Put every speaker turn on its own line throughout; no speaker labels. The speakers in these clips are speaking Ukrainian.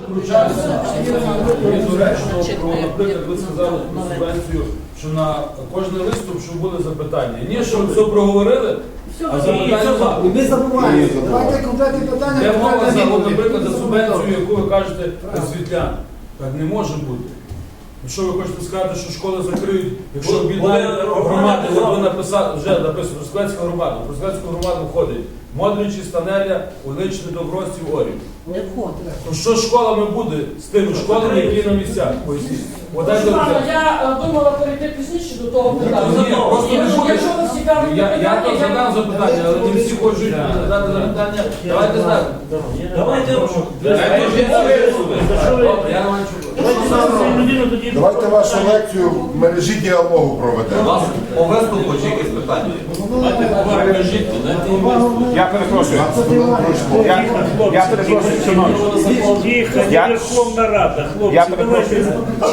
втручатися. Мені доречно, про, наприклад, ви сказали про субвенцію, що на кожний виступ, щоб були запитання. Ні, що все проговорили, а запитання.
І ми забуваємо. Давайте конкретні питання.
Де мова за, наприклад, за субвенцію, яку ви кажете, освітлян. Так не може бути. Що ви хочете сказати, що школи закриють, якщо об'єднають громади, ви написали, вже написано, Трускавецька громада. В Трускавецьку громаду входить Модричі, Станеля, Уличне, Добростів, Орів.
Не входить.
То що з школами буде з тими школами, які на місцях? Поясніть.
Я думала перейти пізніше до того питання. Якщо вас цікавить
Я то задам запитання, але не всі хочуть задати запитання. Давайте так.
Давайте вашу лекцію в мережі діалогу проведемо.
По виступу чи якісь питання?
Я перепрошую. Я перепрошую, шановні.
Верховна Рада,
Я
хлопці,
перепрошую.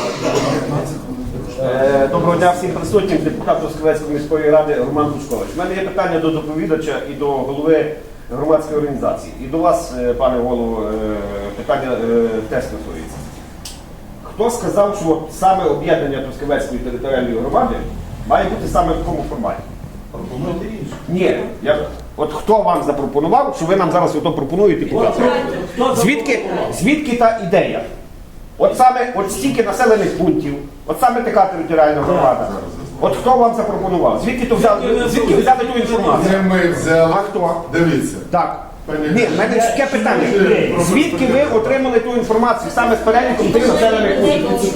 Доброго дня всім присутнім, депутат Трускавецької міської ради Роман Пушкович. У мене є питання до доповідача і до голови громадської організації. І до вас, пане голово, питання теж стосується. Хто сказав, що саме об'єднання Трускавецької територіальної громади має бути саме в такому форматі?
Пропонуйте інше.
Ні. От хто вам запропонував, що ви нам зараз ото пропонуєте показати? Звідки та ідея? От стільки населених пунктів, от саме така територіальна громада. От хто вам запропонував? Звідки ви взяли ту інформацію?
Це ми взяли.
А хто?
Дивіться.
Так. Ні, в мене таке питання. Звідки ви отримали ту інформацію саме з переліком тих населених пунктів?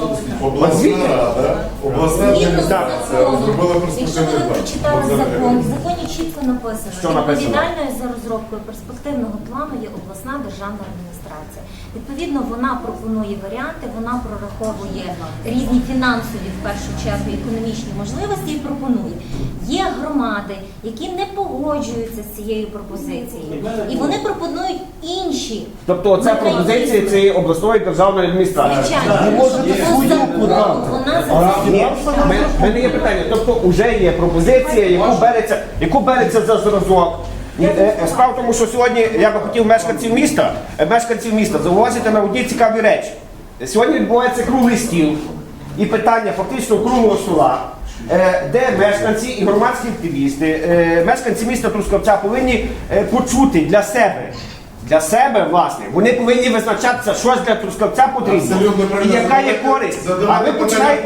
Обласна адміністрація розробила
Якщо ви
перспективний
прочитали
план.
закон, в законі чітко написано,
Що написано?
відповідальною за розробкою перспективного плану є обласна державна адміністрація. Відповідно, вона пропонує варіанти, вона прораховує різні фінансові, в першу чергу, економічні можливості і пропонує. Є громади, які не погоджуються з цією пропозицією, і вони пропонують інші.
Тобто це пропозиція цієї обласної державної адміністрації.
Звичайно, вона за
Ні, в мене є питання. Тобто вже є пропозиція, яку береться за зразок. Справа в тому, що сьогодні я би хотів мешканців міста зауважити на одні цікаві речі. Сьогодні відбувається круглий стіл і питання фактично круглого стола, де мешканці і громадські активісти, мешканці міста Трускавця повинні почути для себе, власне, вони повинні визначатися, що ж для Трускавця потрібно і яка є користь. А ви починаєте,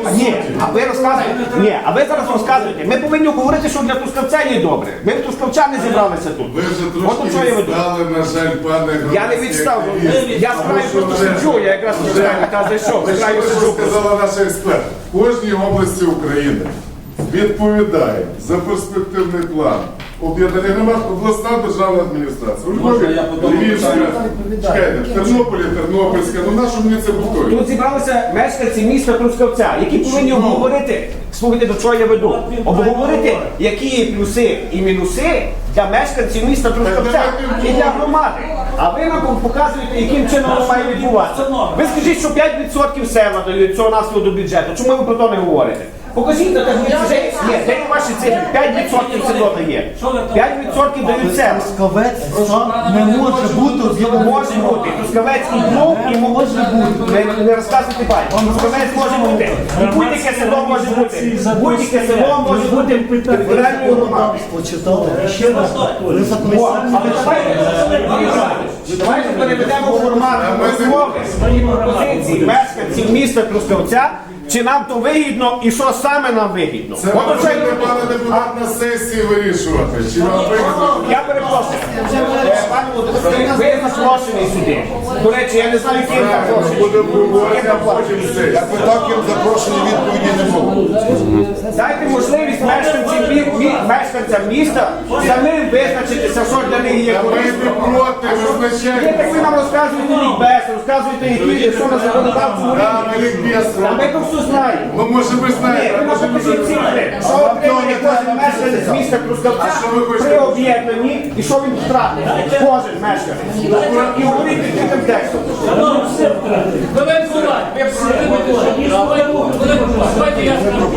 а ви зараз розказуєте, ми повинні говорити, що для Трускавця є добре. Ми в Трускавчани зібралися тут.
Ви вже
От до чого я
трошки
веду.
відстали, на жаль, пане громадський
Я не відстав,
активіст.
я з краю просто сиджу, я якраз з краю зайшов, з краю
Що
сиджу.
сказала наша експерт? В кожній області України відповідає за перспективний план об'єднання громад обласна державна адміністрація. У Львові, Львівська, чекайте, в Тернополі, Тернопільська, ну нашу мені це повторює.
Тут зібралися мешканці міста Трускавця, які повинні обговорити, слухайте, до чого я веду, обговорити, які є плюси і мінуси для мешканців міста Трускавця і для громади. А ви нам показуєте, яким чином воно має відбуватися. Ви скажіть, що 5% села дають цього наслідку до бюджету. Чому ви про то не говорите? Покажіть на таблиці, де є ваші цифри, 5% село дає. 5% дають села.
Трускавець сам не може бути.
Може бути. Трускавецький клуб і може бути. Не розказуйте байки. Трускавець може бути. І будь-яке село може бути. Будь-яке село може бути територіальною громадою.
Почитали. Ще раз. Ви записали.
Давайте переведемо в формат розмови пропозиції мешканців міста Трускавця, чи нам то вигідно і що саме нам вигідно.
Це ви можете, пане депутат, на сесії вирішувати. Чи вам вигідно?
Я перепрошую. Пане Володимире, ви запрошений сюди. До речі, я не знаю, ким запрошений.
Будемо говорити, а потім сесії.
Я питав, ким запрошені, відповіді не було.
Дайте можливість мешканцям міста самим визначитися, що для них є
Ми
корисно.
не проти,
Ви
визначайте.
так ви нам розказуєте лікбез, розказуєте, що на законодавчому рівні. А ми то все знаємо.
Ну, може, ви
Ні,
знаєте,
ви нам
може, ви
покажіть цифри, що отримує кожен мешканець міста Трускавця
А що ви хочете?
при об'єднанні і що він втратить. Кожен мешканець. І говорити таким текстом.
Давай,
Давайте я скажу.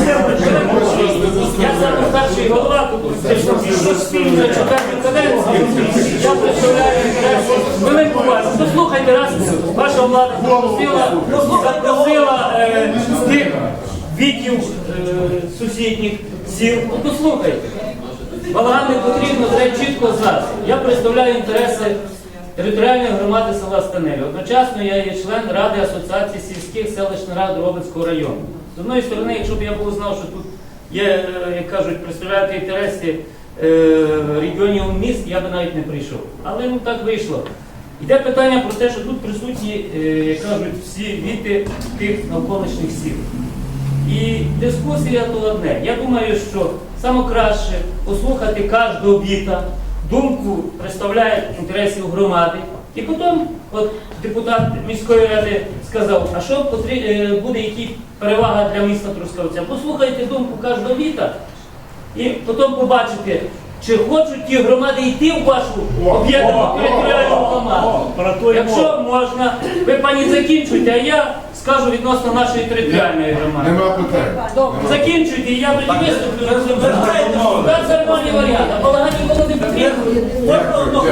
Я саме старший голова тут. За четверту каденцію я представляю інтереси. Велику увагу. Послухайте, раз ваша влада запросила з тих віків сусідніх сіл. Послухайте. Балаган не потрібно, треба чітко знати. Я представляю інтереси територіальної громади села Станелі. Одночасно я є член Ради Асоціації сільських селищних рад Робицького району. З одної сторони, якщо б я був знав, що тут є, як кажуть, представляти інтереси регіонів міст, я б навіть не прийшов. Але ну так вийшло. Йде питання про те, що тут присутні, як кажуть, всі віти тих навколишніх сіл. І дискусія то одне. Я думаю, що саме краще послухати кожного віта, думку представляє інтересів громади. І потім от депутат міської ради сказав, а що буде, які перевага для міста Трускавця. Послухайте думку кожного віта і потім побачите, чи хочуть ті громади йти в вашу об'єднану територіальну громаду. Якщо можна, ви пані закінчуйте, а я скажу відносно нашої територіальної громади.
Нема питань.
Закінчуйте, і я тоді виступлю. Так, це нормальний варіант. А балаган нікому не потрібно.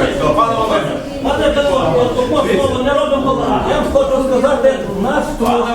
Пане Володимир,
Пане Петро, от одно слово, не робимо балаган. Я вам хочу сказати, у нас тут